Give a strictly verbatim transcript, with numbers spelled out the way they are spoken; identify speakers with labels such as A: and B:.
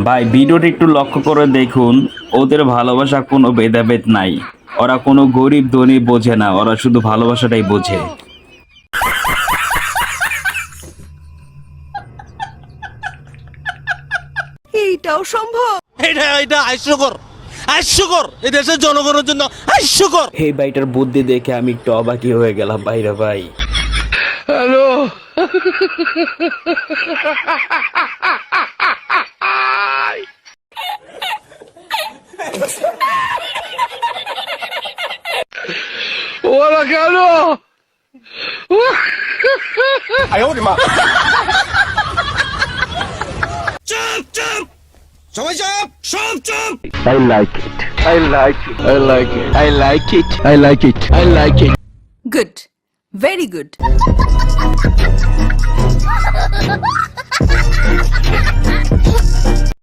A: ভাই ভিডিওটি একটু লক্ষ্য করে দেখুন, ওদের ভালোবাসা কোনো ভেদাভেদ নাই। ওরা কোনো গরিব ধনী বোঝে না, ওরা শুধু ভালোবাসাটাই বোঝে।
B: এইটাও সম্ভব?
C: এটা এটা হাস্যকর, হাস্যকর, এই দেশের জনগণের জন্য হাস্যকর।
A: এই ভাইটার বুদ্ধি দেখে আমি একটু অবাকই হয়ে গেলাম ভাইরা ভাই।
D: হ্যালো ওরা কেন?
C: চুপ চুপ, সবাই চুপ, সব চুপ।
D: I like it. I like it. I like it. I like it. I like it. I like it.
B: Good, very good.